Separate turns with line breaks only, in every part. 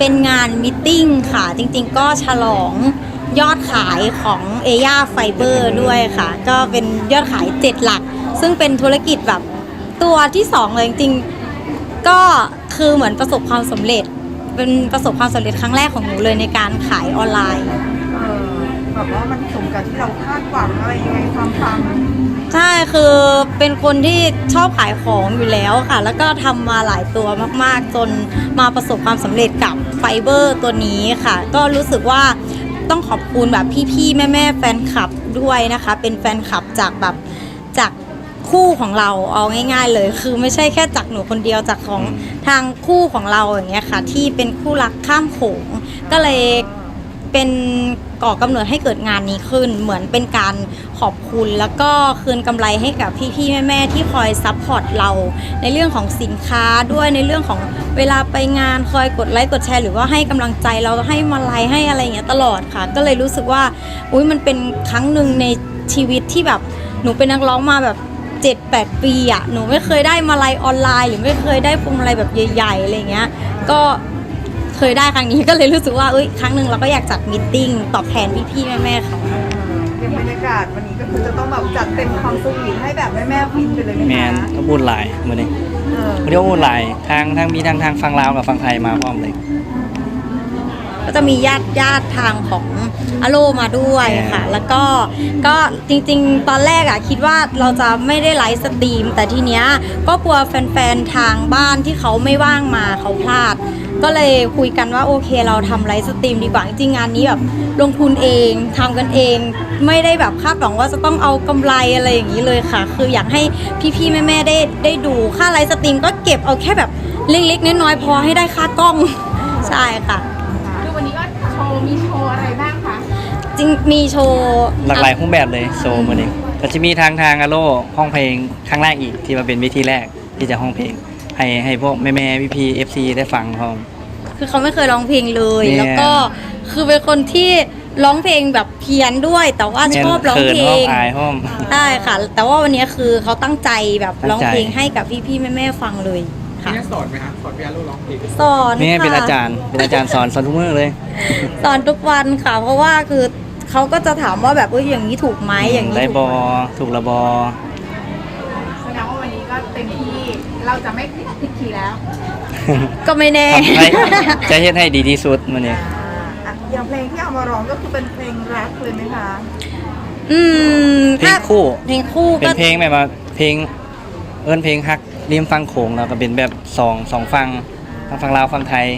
เป็นงานมิทติ้งค่ะจริงๆก็ฉลองยอดขายของเอย่าไฟเบอร์ด้วยค่ะก็เป็นยอดขาย7หลักซึ่งเป็นธุรกิจแบบตัวที่2เลยจริงๆก็คือเหมือนประสบความสำเร็จเป็นประสบความสำเร็จครั้งแรกของหนูเลยในการขายออนไลน์
แบบว่ามันสมกับที่เราคาดหวังอะไรยังไงความปัง
ใช่คือเป็นคนที่ชอบขายของอยู่แล้วค่ะแล้วก็ทำมาหลายตัวมากๆจนมาประสบความสำเร็จกับไฟเบอร์ตัวนี้ค่ะก็รู้สึกว่าต้องขอบคุณแบบพี่ๆแม่ๆแฟนคลับด้วยนะคะเป็นแฟนคลับจากคู่ของเราเอาง่ายๆเลยคือไม่ใช่แค่จากหนูคนเดียวจากของทางคู่ของเราอย่างเงี้ยค่ะที่เป็นคู่รักข้ามโขงก็เลยเป็นก่อกำเนิดให้เกิดงานนี้ขึ้นเหมือนเป็นการขอบคุณแล้วก็คืนกำไรให้กับพี่ๆแม่ๆที่คอยซัพพอร์ตเราในเรื่องของสินค้าด้วยในเรื่องของเวลาไปงานคอยกดไลค์กดแชร์หรือว่าให้กำลังใจเราให้มาลัยให้อะไรอย่างเงี้ยตลอดค่ะก็เลยรู้สึกว่าอุ๊ยมันเป็นครั้งหนึ่งในชีวิตที่แบบหนูเป็นนักร้องมาแบบ7-8 ปีอ่ะหนูไม่เคยได้มาลัยออนไลน์หรือไม่เคยได้พวงมาลัยแบบใหญ่ๆอะไรเงี้ยก็เคยได้ครั้งนี้ก็เลยรู้สึกว่าครั้งหนึ่งเราก็อยากจัดมีตติ้งตอบแทนพี่ๆแม่ๆค่ะ
เป็นบรรยากาศวันนี้ก็คือจะต้องแบบจัดเต็มความสวีทให้แบบแม่ๆฟินไปเลยไหมคะ
แมนก็บุญหลายมื้อนี้เรียกว่าบุญหลายทางมีทางฝั่งลาวกับฝั่งไทยมาพร้อมเลย
ก็จะมีญาติทางของอโลมาด้วยค่ะแล้วก็จริงๆตอนแรกอะคิดว่าเราจะไม่ได้ไลฟ์สตรีมแต่ทีเนี้ยก็กลัวแฟนๆทางบ้านที่เขาไม่ว่างมาเขาพลาดก็เลยคุยกันว่าโอเคเราทำไลฟ์สตรีมดีกว่าจริงๆงานนี้แบบลงทุนเองทำกันเองไม่ได้แบบคาดหวังว่าจะต้องเอากำไรอะไรอย่างนี้เลยค่ะคืออยากให้พี่ๆแม่ๆได้ดูค่าไลฟ์สตรีมก็เก็บเอาแค่แบบเล็กๆน้อยๆพอให้ได้ค่ากล้องใช่ค่ะ
วันนี้ก็มีโชว์อะไรบ้างคะ
จริงมีโชว์
หลากหลายรูปแบบเลยโชว์มื้อนี้ก็จะมีทางอโลห้องเพลงครั้งแรกอีกที่มาเป็นวิธีแรกที่จะห้องเพลงให้พวกแม่ๆพี่ๆ FC ได้ฟังพร้อม
คือเขาไม่เคยร้องเพลงเลยแล้วก็คือเป็นคนที่ร้องเพลงแบบเพี้ยนด้วยแต่ว่าชอบร้องเพลงได้ค่ะแต่ว่าวันนี้คือเขาตั้งใจแบบร้องเพลงให้กับพี่ๆแม่ๆฟังเลยค่ะ
สอนไหมคะสอนพี่อารุร้องเพลง
สอนค่ะ
นี่เป็นอาจารย์สอนทุกมื้อเลย
สอนทุกวันค่ะเพราะว่าคือเขาก็จะถามว่าแบบอย่างนี้ถูกไหมอย่างนี้
ได้บอถูกละบอ
แสดงว่าวันนี้ก็เต็มที่เราจะไม่ผิดคีย์แล้ว
ก็ไม่แน่
จะเฮ็ดให้ดีที่สุดมื้อนี้
อย่างเพลงที่เอามาร้องก็คือเป็นเพลงรักเลยไหมคะ
เพลงคู่
เป็น
เพลงแบบว่าเพลงเพลงฮักริมฟังโขงแล้วก็เป็นแบบสองฝั่งลาวฝั่งไทย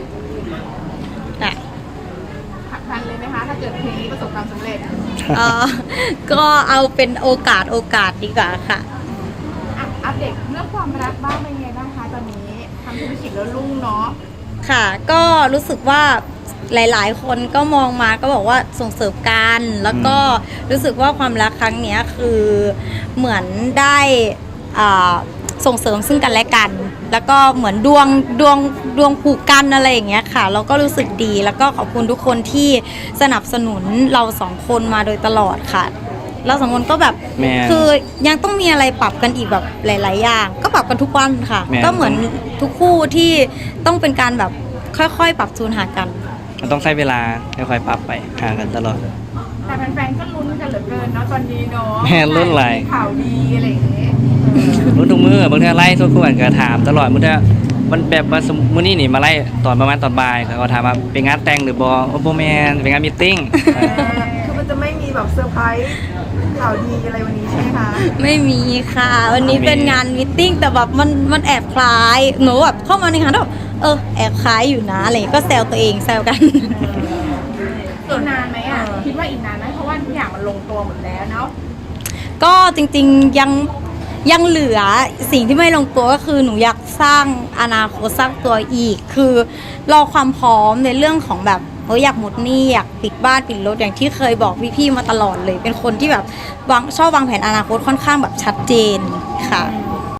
ผลักดันเลยไหมคะถ้าเกิดเพลงนี้ประสบความสำเร็จ
ก็เอาเป็นโอกาสดีกว่าค่ะ
อัปเดตเรื่องความรักบ้างเป็นไงบ้างคะตอนนี้ทำธุรกิจแล้วรุ่งเนาะ
ค่ะก็รู้สึกว่าหลายๆคนก็มองมาก็บอกว่าส่งเสริมกันแล้วก็รู้สึกว่าความรักครั้งนี้คือเหมือนได้ส่งเสริมซึ่งกันและกันแล้วก็เหมือนดวงผูกกันอะไรอย่างเงี้ยค่ะเราก็รู้สึกดีแล้วก็ขอบคุณทุกคนที่สนับสนุนเรา2คนมาโดยตลอดค่ะเรา2คนก็แบบคือยังต้องมีอะไรปรับกันอีกแบบหลายๆอย่างก็ปรับกันทุกวันค่ะก็เหมือนทุกคู่ที่ต้องเป็นการแบบค่อยๆปรับจูนหากัน
มันต้องใช้เวลาค่อยๆปรับไปหากันตลอด
แต่แฟนๆก็ลุ้นกันเหลือเกินเนาะตอนนี้เนาะ
แม่ลุ้นอะไร
ข่าวดีอะไรอย่างเงี้ย
ลุ้นทุกมื้อบางทีไล่ทุกคนก็ถามตลอดมื้อมันแบบว่ามื้อนี้นี่มาไล่ตอนประมาณตอนบ่ายเขาถามว่าเป็นงานแต่งหรือบ่แม่นเป็นงานมีตติ้ง
คือมันจะไม่มีแบบเซอร์ไพรส์ข่าวดีอะไรวันนี้ใช่ไหมคะ
ไม่มีค่ะวันนี้เป็นงานมีตติ้งแต่แบบมันแอบคล้ายหนูแบบเข้ามาในงานแล้วแอบคล้ายอยู่นะอะไรก็แซวตัวเองแซวกัน
อีกนานไหมคิดว่าอีกนานไหมเพราะว่าทุกอย่างมันลงตัวหมดแล้วเนาะ
ก็จริงๆยังเหลือสิ่งที่ไม่ลงตัวก็คือหนูอยากสร้างอนาคตสร้างตัวอีกคือรอความพร้อมในเรื่องของแบบอยากหมดหนี้อยากปิดบ้านปิดรถอย่างที่เคยบอกพี่ๆมาตลอดเลยเป็นคนที่แบบชอบวางแผนอนาคตค่อนข้างแบบชัดเจนค่ะ